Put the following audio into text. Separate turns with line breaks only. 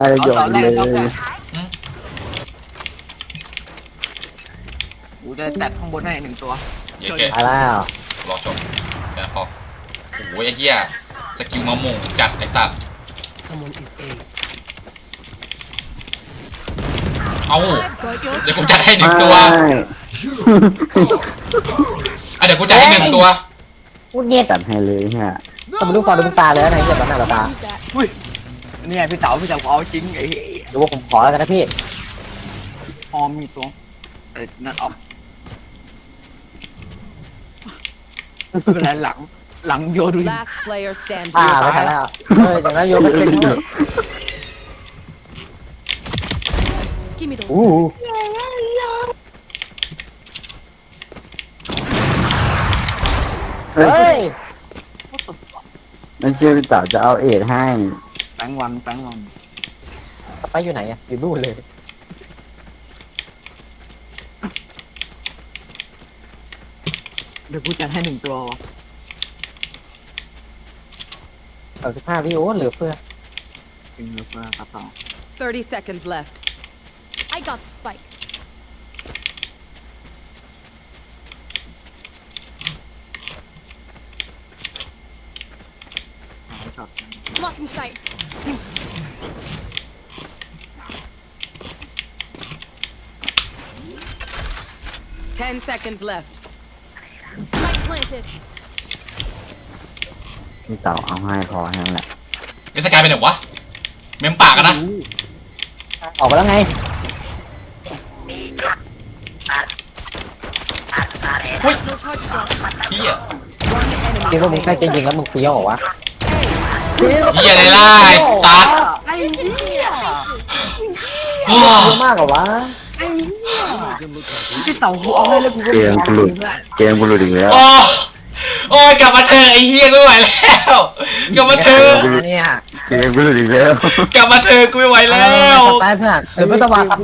อะไรหยอกเลย
กูจะแตะข้างบนให้1 ตัว
เย้เก
ตายแล้ว
รอชมแค่พอโอ้ยไอ้เหี้ยสกิลมะม่วงจัดไอ้สัตว์
Someone is A.
เอา
I've got your
เดี๋ยวกูจัดให้1 ตัวเดี๋ยวกูจัดให้1 ตัว
พูดเงียบจัดให้เลยฮะต้องมาดูฟอร์ดูตาเลยนะไอ้เหี้ยตอนหน้าตา
use that.
อุ้ยนี่ไงพี่เต๋าเอาจริงไอ้
ดูว่าผมขอแล้วกันนะพี่
ออมมีตัวนั่นออกเป็นไรหลังโยดู
Last player standing.
ไม่ทันแล้วจากนั้นโยนไปเป็นด้วย
Give me those.
อู้
เฮ้
เฮ้
ย
ย
นั่นเชื่อพี่เต๋าจะเอาเอ็ดให้
แปงวัน
ไปอยู่ไหนอ่ะอยู่นู่นเลย
เดี๋ยวกูจัดให้1 ตัว
15วิโอเหลือเฟือ
จริงหรือเปล่าครับต่อ
30 seconds left.
I got the spike.
ช็อต
Blocking sight.
10 seconds left.
Spike planted.
พี่เต๋าเอาให้พอแค่นั้นแหละ
เป็นสกายไปไหนวะเมมปากกันนะ
ออกไปแล้วไง
No charges left.
เหี้ย
One
คิด
enemy
ว่ามึงใกล้จะ
remaining.
ยิงแล้วมึงเฟี้ยวเหรอวะ
เหี้ยอะไรล่ะไอ้สัตว์
You should see their faces.
โอ้
เยอะมากเหรอวะ
พี่เต๋ากูเอาให้แล้วกูก็
เกมกูหลุดเกมกูหลุดอีกแล้ว
โอ้โอ้ยกลับมาเถอะไอ้เหี้ยกูไม่ไหวแล้วกลับมาเถอะ
เนี่ย
เกมกูหลุดอีกแล้ว
กลับมาเถอะกูไม่ไหวแล้ว
ไปเพื่อนเดี๋ยวไม่ต้องมา